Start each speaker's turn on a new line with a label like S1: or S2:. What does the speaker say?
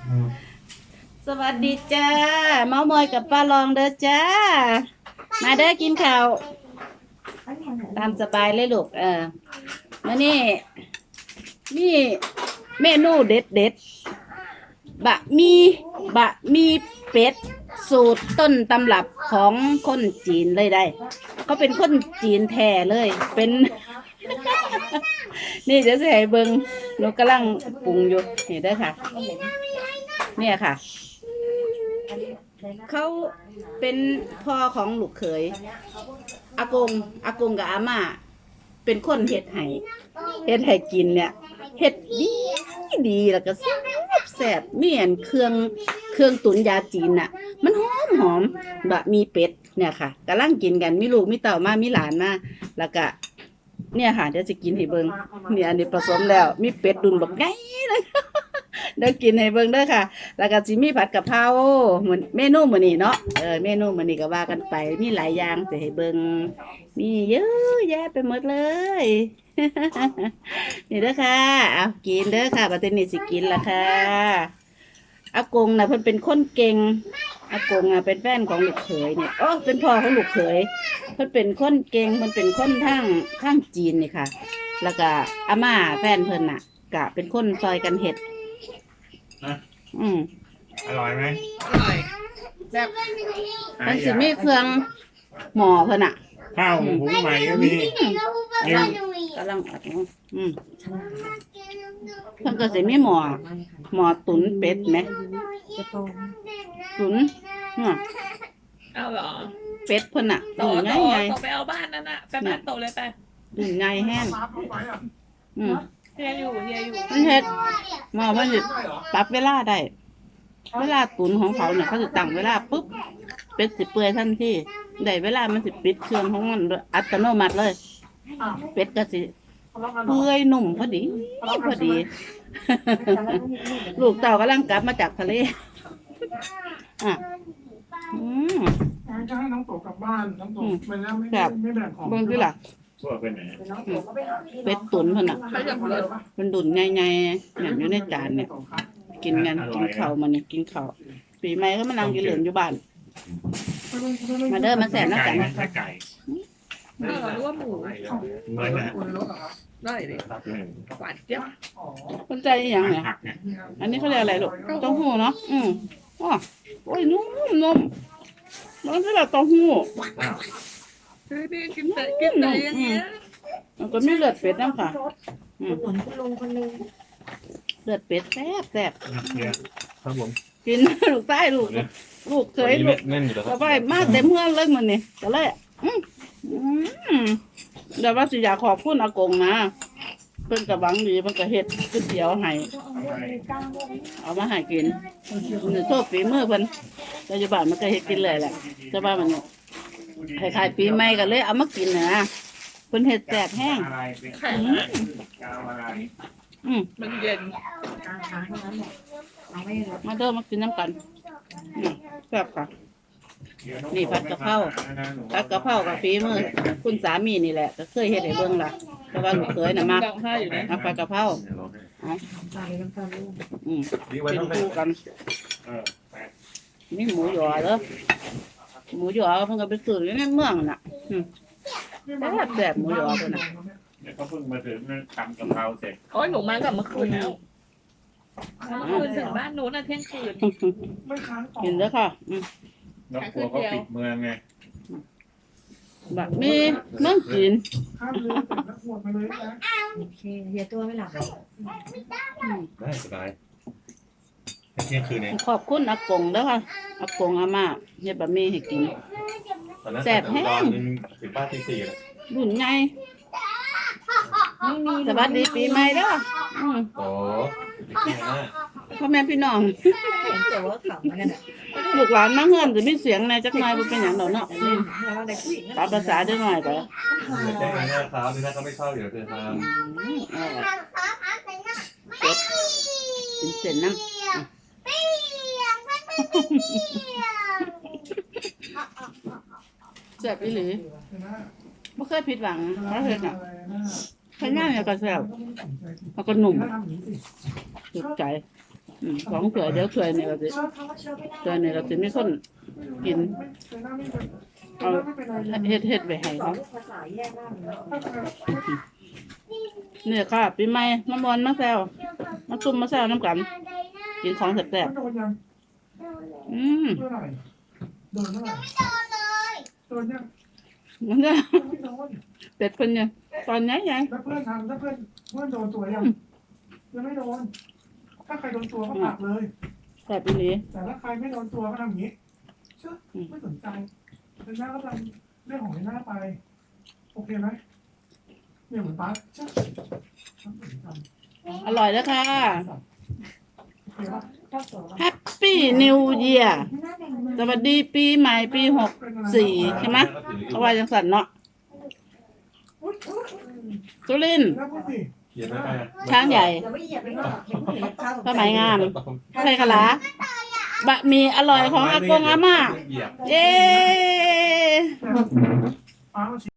S1: สวัสดีจ้าเมามอยกับป้าลองเด้อจ้ามาเด้อกินข้าวตามสบายเลยลูกมานี่นี่เมนูเด็ดเด็ดบะหมี่เป็ดสูตรต้นตำรับของคนจีนเลยได้เขาเป็นคนจีนแท้เลยเป็น นี่จะใส่เบิงหนูกำลังปรุงอยู่เห็นได้อค่ะ เนี่ยค่ะ เขาเป็นพ่อของลูกเขยอากงกับอาม่าเป็นคนเฮ็ดให้กินเนี่ยเฮ็ดดีแล้วก็แซ่บเมี่ยนเครื่องตุ๋นยาจีนน่ะมันหอมบะมีเป็ดเนี่ยค่ะกำลังกินกันมีลูกมีเต่ามามีหลานมาแล้วก็เนี่ยค่ะเดี๋ยวจะกินให้เบิ่งเนี่ยอันนี้ผสมแล้วมีเป็ดดุนบักไงเลยเดี๋ยวกินให้เบิ่งเด้อค่ะแล้วก็สิมีผัดกะเพราเหมือนเมนูมื้อนี้เนาะเมนูมื้อนี้ก็ว่ากันไปมีหลายอย่างสิให้เบิ่งมีเยอะแยะไปหมดเลย นี่เด้อค่ะเอากินเด้อค่ะบัดนี้สิกินละค่ะอากงน่ะเพิ่นเป็นคนเก่งอากงอ่ะเป็นแฟนของลูกเขยเนี่ยเป็นพ่อของลูกเขยเพิ่นเป็นคนเก่งเพิ่นเป็นคนทางจีนนี่ค่ะ แล้วก็อาม่าแฟนเพิ่นน่ะก็เป็นคนซอยกันเฮ็ด
S2: นะอร่อยไหม
S3: อร่อยแซ่บ
S1: มันสิมีเครื่องหม้อเพิ่นน่ะ
S2: ข้าวหุงใหม่ก็มี
S1: กำลังอัดเพิ่นก็สิมีหม้อตุ๋นเป็ดไหมตุ๋นเนี่ย
S3: เอาเหรอ
S1: เป็ดเพิ่นน่ะ
S3: โต
S1: ตุ๋นไง
S3: ไปเอาบ้านนั่นน่ะไปบ้านโตเลยไป
S1: ตุ๋นไงแห้ง
S3: เฮียอยู่
S1: มันเฮ็ดหม้อมันสิปรับเวลาได้เวลาตุ๋นของเขาเนี่ยเขาจะตั้งเวลาปุ๊บเป็ดสิเปื่อยทันทีได้เวลามันสิปิดเครื่องของมันอัตโนมัติเลยเป็ดก็สิเปื่อยนุ่มพอดี ลูกเต่ากำลังกลับมาจากทะเล
S4: จะให้น้องโตกลับบ้านน้องโตไปแล้วไม่แบ่งของ
S1: เบิ่งดิล่ะเป็ดตุ๋นเพิ่นน่ะเป็นดุนใหญ่ๆเนี่ยอยู่ในจานเนี่ยกินกันกินข้าวมันนี่กินข้าวปีใหม่ก็มานั่งกินเหลืองอยู่บ้านมาเด้อมาแสนนะกัน
S2: ไก่
S3: เรารู้ว่าหมู
S2: เหมือนนะ
S3: ได้ดิหวานเจี๊ยบ
S1: คนใจอย่างเนี่ยอันนี้เขาเรียกอะไรลูกเต้าหู้เนาะโอ้ยนุ่มมันคือเต้าหู้
S3: นี่กินแต่อย่างเงี้ย
S1: มันก็มีเลือดเป็ดน้ำค่ะ
S5: เหมือนคุณลุงคนนึง
S1: เลือดเป็ดแซ่บ
S2: ครับผม
S1: กินลูกใต้ลูกเคยลูกก็ไปมาเต็มเมืองเลยมันนี่ก็เลยเดี๋ยวว่าสิอยากขอบคุณอากงนะเพิ่นกับหวังดีเพิ่นก็เฮ็ดก๋วยเตี๋ยวให้เอามาให้กินนี่โทษฝีมือเพิ่นปัจจุบันมันก็เฮ็ดกินเลยแหละแต่ว่ามันคล้ายๆปีใหม่ก็เลยเอามากินนะเพิ่นเฮ็ดแซ่บแห้ง
S3: มันเย็น
S1: มาเด้อมากินน้ำกันแซ่บค่ะนี่ผัดกะเพรากับฝีมือคุณสามีนี่แหละก็เคยเฮ็ดให้เบิ่งล่ะแต่ว่าลูกเคยน่ะมาผัดกะเพรากินคู่กันนี่หมูหยอเด้อหมูหยอเพิ่นก็ไปซื้ออยู่ในเมืองน่ะแซ่บหมูหยอเพิ่นน่ะ
S2: เขาเพิ่งมาถึงทำกะเพราเสร็จ
S3: โอ้ยหนูมากับเมื่อคืนแล้วเมื่อคืนถึงบ้านหนูน่ะเที่ยงคืน
S1: กินเด้อค่ะ
S2: น้องกลัวเขาปิดเมืองไง
S1: แบบมีเมืองจีน
S5: โอเคเฮียตัวไม่หลับ
S2: ได้สบายเที่ยงคืนเอง
S1: ขอบคุณอากงเด้อค่ะอากงอาม่าเฮ็ดบะหมี่ให้กินแซ่บแห้ง
S2: ถึงบ้านที่สี่เลย
S1: รุ่นใหญ่สวัสดีปีใหม่เด้อ
S2: โอ้
S1: พ่อแม่พี่น้อง
S5: แต่ว่าขำกันอ่ะ
S1: ลูกหลานมาเฮือนจะมีเสียงในจักหน่อยบ่เป็นหยังดอกเนาะตามภาษาจักหน่อยก็
S2: แจ้งหน้าครับนี่นะเขาไม่ชอบอยู่เธอทำ
S1: กินเสร็จนะแซ่บอีหลีไม่เคยผิดหวังเพราะเฮ็ดอ่ะใช้ง่ายเนี่ยก็แซ่บแล้วก็หนุ่มถูกใจสองถ้วยเดี๋ยวถ้วยนี่ก็สิ
S5: เขาก็เชื่อไม่ได้
S1: ถ้วยนี่ก็สิมีคนกิน
S4: แต่หน้าไม่เป็น
S1: เอา
S4: ไม่เป็นไร
S1: เฮ็ดไว้ให้
S5: สอ
S1: เขา
S5: งภาษาแยกมากเลย
S1: เนี่ยค่ะปีใหม่มามวนมาแซวมาซุ่มมาแซวน้ำกันกินของแซ่บ
S4: โดนยัง
S1: ๆ
S4: เมื่อไหร่โดนเมื่อไหร่โดนยัง
S1: มันก็
S4: ไม่โดน
S1: เป็ดเพิ่นยังตอนไหนไง
S4: แล้วเพื่อนทำถ้าเพื่อนโดนตัวยังไม่โดนถ้าใครโดนตัวก็ผลักเลย
S1: แซ่บอีหลี
S4: แต่ถ้าใครไม่โดนตัวก็ทำอย่างนี้เชื่อไม่สนใจเป็นหน้าก็ทำเรื่องของหน้าไปโอเคไหมเนี่ยเหมือนป้าเชื่อไม่สนใจ
S1: อร่อยแล้วค่ะ
S4: โอเคปะ
S5: เจ้าตัว
S1: แฮปปี้นิวเยียร์
S5: หน้าแดงมา
S1: สวัสดีปีใหม่ปี64ใช่ไหมเขาว่าจังสันเนาะสุรินทร์
S4: แล้วพูดสิ
S2: เขียนไม่ได้
S1: ช้างใหญ่
S5: เดี๋ยวไม่เหยียบไปนอกเห็นผู้หญิงข้าว
S1: ผ้าไหมงามไทยกะลาบะหมี่อร่อยของอากงอาม่า
S2: เหยียบ
S1: เย้
S4: ป้ามา